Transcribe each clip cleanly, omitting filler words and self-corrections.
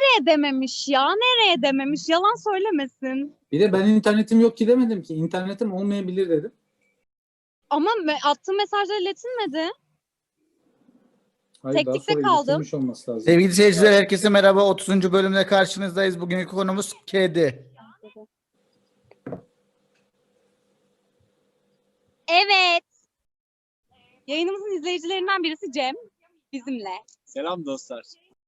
nereye dememiş ya? Nereye dememiş? Yalan söylemesin. Bir de ben internetim yok ki demedim ki. İnternetim olmayabilir dedim. Ama attığım mesajlar iletilmedi. Hayır, daha Teknikte sonra kaldım. iletilmiş olması lazım. Sevgili seyirciler, herkese merhaba. 30. bölümle karşınızdayız. Bugünkü konumuz kedi. Evet. Yayınımızın izleyicilerinden birisi Cem. Bizimle. Selam dostlar.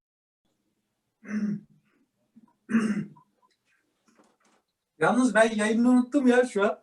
Yalnız ben yayını unuttum ya şu an.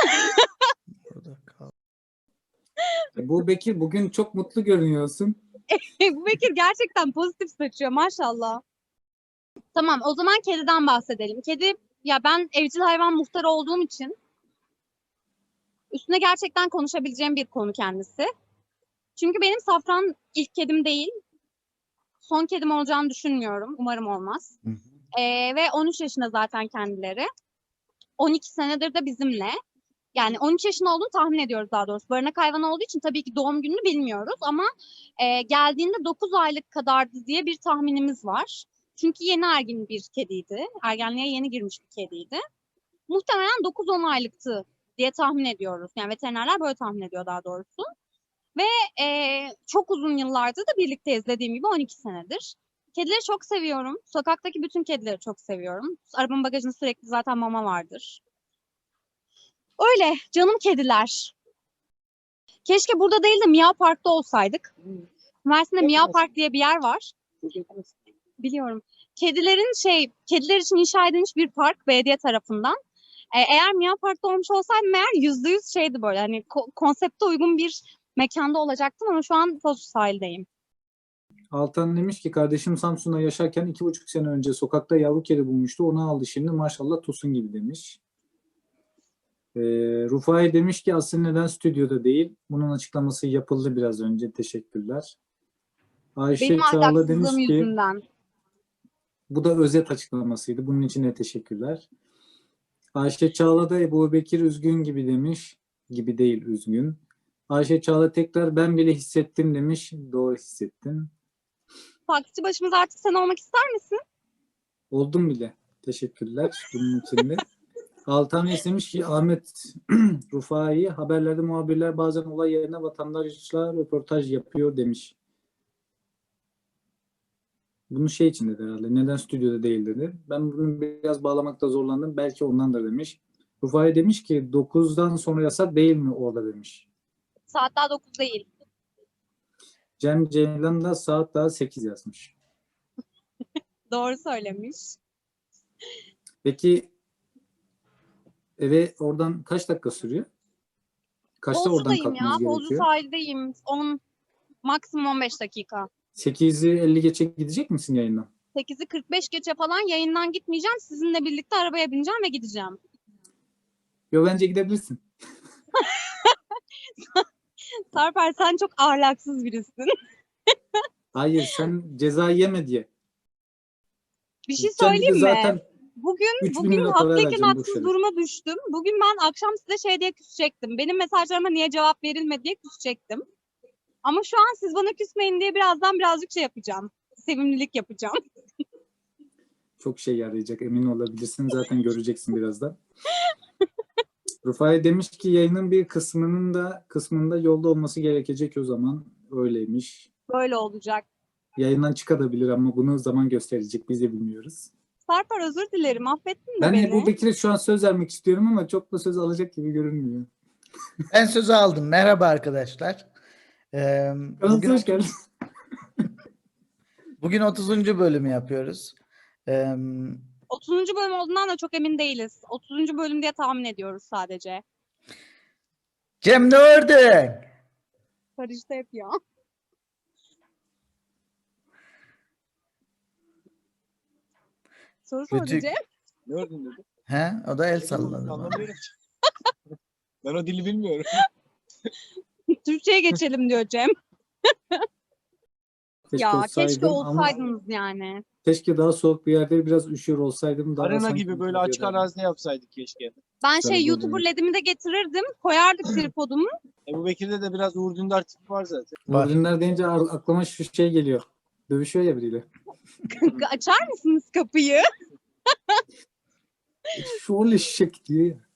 Bu Bekir, bugün çok mutlu görünüyorsun. Bu Bekir gerçekten pozitif saçıyor maşallah. Tamam, o zaman kediden bahsedelim. Kedi, ya ben evcil hayvan muhtarı olduğum için üstüne gerçekten konuşabileceğim bir konu kendisi. Çünkü benim Safran ilk kedim değil. Son kedim olacağını düşünmüyorum. Umarım olmaz. Ve 13 yaşında zaten kendileri. 12 senedir de bizimle. Yani 13 yaşında olduğunu tahmin ediyoruz daha doğrusu. Barınak hayvanı olduğu için tabii ki doğum gününü bilmiyoruz ama geldiğinde 9 aylık kadardı diye bir tahminimiz var. Çünkü yeni ergin bir kediydi. Ergenliğe yeni girmiş bir kediydi. Muhtemelen 9-10 aylıktı diye tahmin ediyoruz. Yani veterinerler böyle tahmin ediyor daha doğrusu. Ve çok uzun yıllardır da birlikteyiz, dediğim gibi 12 senedir. Kedileri çok seviyorum. Sokaktaki bütün kedileri çok seviyorum. Arabanın bagajında sürekli zaten mama vardır. Öyle canım kediler. Keşke burada değil de Miao Park'ta olsaydık. Mersin'de Miao Park diye bir yer var. Biliyorum. Kediler için inşa edilmiş bir park belediye tarafından. Eğer Miao Park'ta olmuş olsaydım eğer %100 şeydi böyle hani konsepte uygun bir mekanda olacaktım ama şu an Foz sahildeyim. Altan demiş ki kardeşim Samsun'da yaşarken 2,5 sene önce sokakta yavru kedi bulmuştu. Onu aldı şimdi maşallah tosun gibi demiş. Rufai demiş ki aslında neden stüdyoda değil? Bunun açıklaması yapıldı biraz önce. Teşekkürler. Ayşe Benim Çağla ahlaksızlığım demiş ki yüzünden. bu da özet açıklamasıydı. Bunun için de teşekkürler. Ayşe Çağla da Ebu Bekir üzgün gibi demiş. Gibi değil, üzgün. Ayşe Çağla tekrar ben bile hissettim demiş. Doğru hissettin. Taksici başımız artık sen olmak ister misin? Oldum bile. Teşekkürler bunun için de. Altan istemiş ki Ahmet Rufai haberlerde muhabirler bazen olay yerine vatandaşla röportaj yapıyor demiş. Bunu şey için dedi herhalde. Neden stüdyoda değil dedi. Ben bunu biraz bağlamakta zorlandım. Belki ondandır demiş. Rufai demiş ki 9'dan sonra yasak değil mi orada demiş. Saat daha 9 değil. Cem Ceylan da saat daha 8 yazmış. Doğru söylemiş. Peki eve oradan kaç dakika sürüyor? Kaçta oradan Bozcu'dayım ya. kalkmanız Bozcu gerekiyor? sahildeyim. Maksimum 15 dakika. 8'i 50 geçe gidecek misin yayından? 8'i 45 geçe falan yayından gitmeyeceğim. Sizinle birlikte arabaya bineceğim ve gideceğim. Yo, bence gidebilirsin. Sarper sen çok ahlaksız birisin. Hayır, sen ceza yeme diye. Bir şey Gideceğim dedi söyleyeyim mi? zaten 3.000 Bugün lira para haklıyken vereceğim boş haksız yere. duruma düştüm. Bugün ben akşam size şey diye küsecektim. Benim mesajlarıma niye cevap verilmedi diye küsecektim. Ama şu an siz bana küsmeyin diye birazdan birazcık şey yapacağım. Sevimlilik yapacağım. Çok şey yarayacak, emin olabilirsin. Zaten göreceksin birazdan. Rufai demiş ki yayının bir kısmında yolda olması gerekecek o zaman. Öyleymiş. Böyle olacak. Yayından çıkabilir ama bunu zaman gösterecek. Biz de bilmiyoruz. Sarper özür dilerim. Affettin mi Ben beni? Ebu Bekir'e şu an söz vermek istiyorum ama çok da söz alacak gibi görünmüyor. Ben sözü aldım. Merhaba arkadaşlar. Kanalımıza hoş geldin. Bugün 30. bölümü yapıyoruz. 30. bölüm olduğundan da çok emin değiliz. 30. bölüm diye tahmin ediyoruz sadece. Cem ne ördün? Karıştı hep ya. Soru sordu Kötü. Cem. Ne ördün dedi? He? O da el salladı. bana. Anlamıyorum. Ben o dili bilmiyorum. Türkçe'ye geçelim diyor Cem. Keşke Ya keşke olsaydım ama olsaydınız yani. keşke daha soğuk bir yerde biraz üşüyor olsaydım. Daha Arena sanki gibi böyle açık videoda- arazide yapsaydık keşke. Ben Sana YouTuber böyle- ledimi de getirirdim. Koyardık tripodumu. Ebu Bekir'de de biraz Uğur Dündar tipi var zaten. Var. Ürünler deyince aklıma şu şey geliyor. Dövüşüyor ya biriyle. Açar mısınız kapıyı? Şu eşek diyor ya.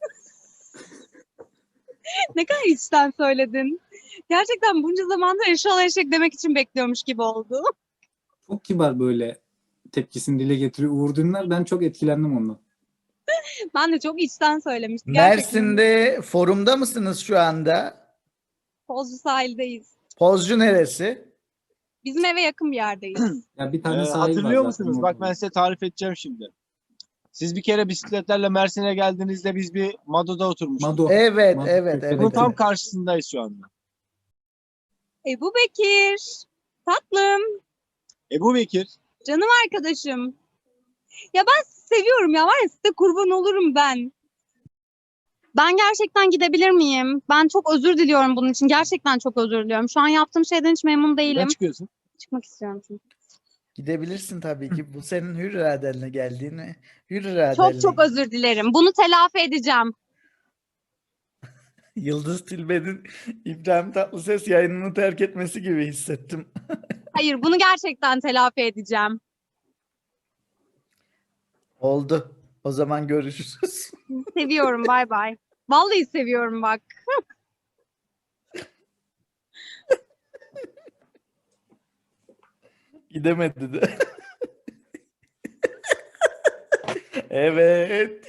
Ne kadar içten söyledin. Gerçekten bunca zamandır eşşoğlu eşek demek için bekliyormuş gibi oldu. Çok kibar böyle tepkisini dile getiriyor Uğur Dündar. Ben çok etkilendim ondan. Ben de çok içten söylemiştim. Gerçekten Mersin'de forumda mısınız şu anda? Pozcu sahildeyiz. Pozcu neresi? Bizim eve yakın bir yerdeyiz. Ya bir tane sahil var Hatırlıyor zaten musunuz? Bak orada. ben size tarif edeceğim şimdi. Siz bir kere bisikletlerle Mersin'e geldiğinizde biz bir Mado'da oturmuştuk. Mado. Evet, Mado evet, Türkiye'de evet. Bunun tam evet. karşısındayız şu anda. Ebu Bekir. Tatlım. Ebu Bekir. Canım arkadaşım. Ya ben sizi seviyorum ya. Var ya size kurban olurum ben. Ben gerçekten gidebilir miyim? Ben çok özür diliyorum bunun için. Gerçekten çok özür diliyorum. Şu an yaptığım şeyden hiç memnun Neden değilim. çıkıyorsun? Çıkmak istiyorum çünkü. Gidebilirsin tabii ki. Bu senin hür iradenle geldiğini, hür iradenle. Çok özür dilerim. Bunu telafi edeceğim. Yıldız Tilbe'nin İbrahim Tatlıses yayınını terk etmesi gibi hissettim. Hayır, bunu gerçekten telafi edeceğim. Oldu. O zaman görüşürüz. Seviyorum, bay bay. Vallahi seviyorum bak. Gidemedi de. Evet.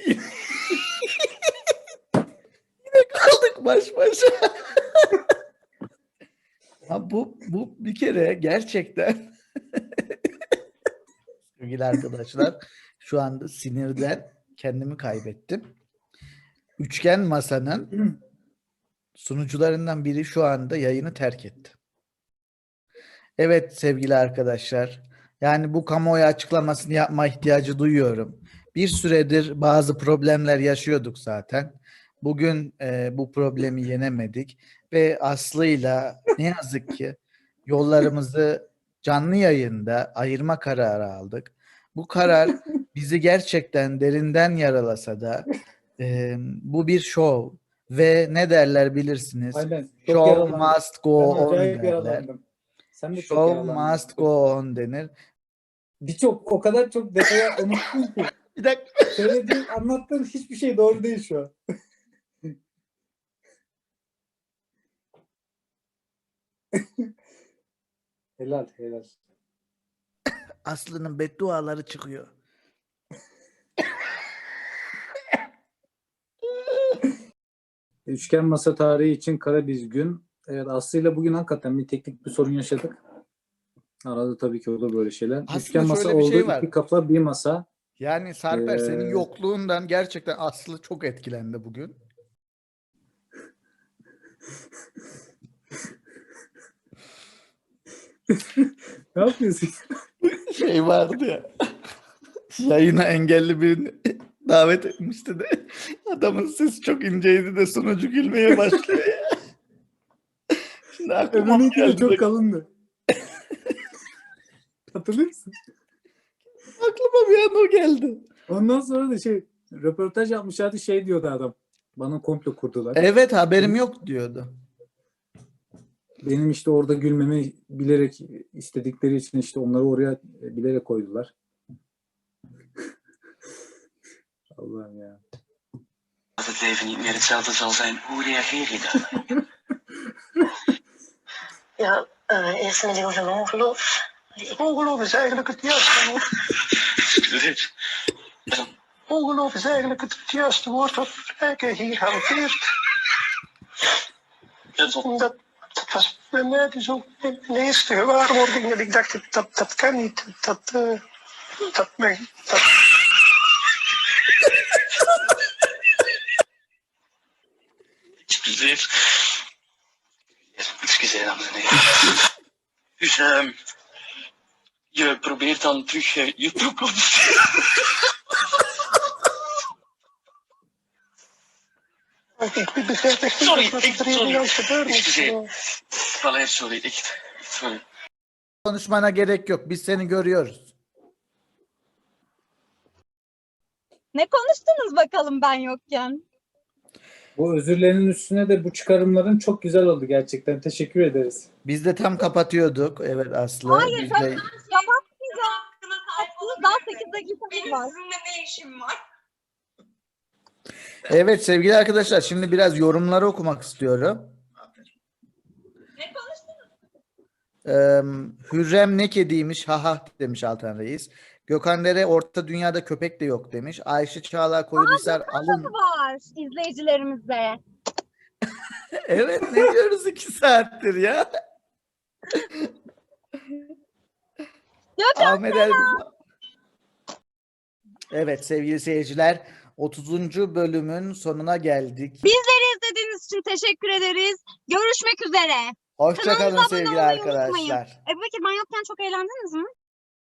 Yine kaldık baş başa. Ha, bu bir kere gerçekten sevgili arkadaşlar, şu anda sinirden kendimi kaybettim. Üçgen Masa'nın sunucularından biri şu anda yayını terk etti. Evet sevgili arkadaşlar, yani bu kamuoyu açıklamasını yapma ihtiyacı duyuyorum. Bir süredir bazı problemler yaşıyorduk zaten. Bugün bu problemi yenemedik ve Aslı'yla ne yazık ki yollarımızı canlı yayında ayırma kararı aldık. Bu karar bizi gerçekten derinden yaralasa da bu bir şov ve ne derler bilirsiniz? Aynen. Çok Show yaralandım. must go Ben on acayip derler. yaralandım. Sen de çok Show yaralandın. must go on denir. O kadar çok detaya unuttun ki. Bir dakika. Söylediğin, anlattığın hiçbir şey doğru değil şu an. Helal helal. Aslı'nın bedduaları çıkıyor. Üçgen masa tarihi için kara bir gün. Evet, Aslı'yla bugün hakikaten bir teknik bir sorun yaşadık. Arada tabii ki olur böyle şeyler. Aslında Üçgen masa şöyle bir oldu. şey var. İki kafa bir masa. Yani Sarper senin Ee, yokluğundan gerçekten Aslı çok etkilendi bugün. Ne yapıyorsun? Şey vardı ya. Yayına engelli birini davet etmişti de adamın sesi çok inceydi de sunucu gülmeye başlıyor ya. Şimdi aklıma Öbürünki de geldi. çok kalındı. Hatırlıyor musun? Aklıma bir an o geldi. Ondan sonra da röportaj yapmışlardı, diyordu adam. Bana komplo kurdular. Evet, haberim yok diyordu. Benim işte orada gülmemi bilerek istedikleri için işte onları oraya bilerek koydular. Allah'ım ya. Dat het leven niet meer hetzelfde zal zijn. Hoe reageer je daar? Ja, eerst met over ongeloof. Ongeloof is eigenlijk het juiste woord. Excuseer. Ongeloof is eigenlijk het juiste woord wat Rijken hier hanteert. Dat was bij mij dus ook mijn eerste gewaarwording. En ik dacht, dat kan niet. Dat. Excuseer. Excuseer, dames en heren. Dus je probeert dan terug je toekomst. Ik begrijp echt Sorry, niet wat er hier sorry. aan het gebeuren is. Excuseer. Valer, sorry, echt. Sorry. Konuşmana gerek yok. Biz seni görüyoruz. Ne konuştunuz bakalım ben yokken? Bu özürlerin üstüne de bu çıkarımların çok güzel oldu gerçekten. Teşekkür ederiz. Biz de tam kapatıyorduk. Evet Aslı. Hayır, Biz de- Kapatmayacağım. Daha 8 dakikamız Benim var. sizinle ne işim var? Evet sevgili arkadaşlar, şimdi biraz yorumları okumak istiyorum. Ne konuştunuz? Hürrem ne kediymiş haha demiş Altan Reis. Gökhan Dere orta dünyada köpek de yok demiş. Ayşe Çağla Koyunhisar alın. Var izleyicilerimize. Evet, ne diyoruz 2 saattir ya. Gökhan Ahmet Elbistan. Evet sevgili seyirciler, 30. bölümün sonuna geldik. Bizleri izlediğiniz için teşekkür ederiz. Görüşmek üzere. Hoşça kalın Kanalımıza abone sevgili olmayı unutmayın. arkadaşlar. Ebubekir ben yokken çok eğlendiniz mi?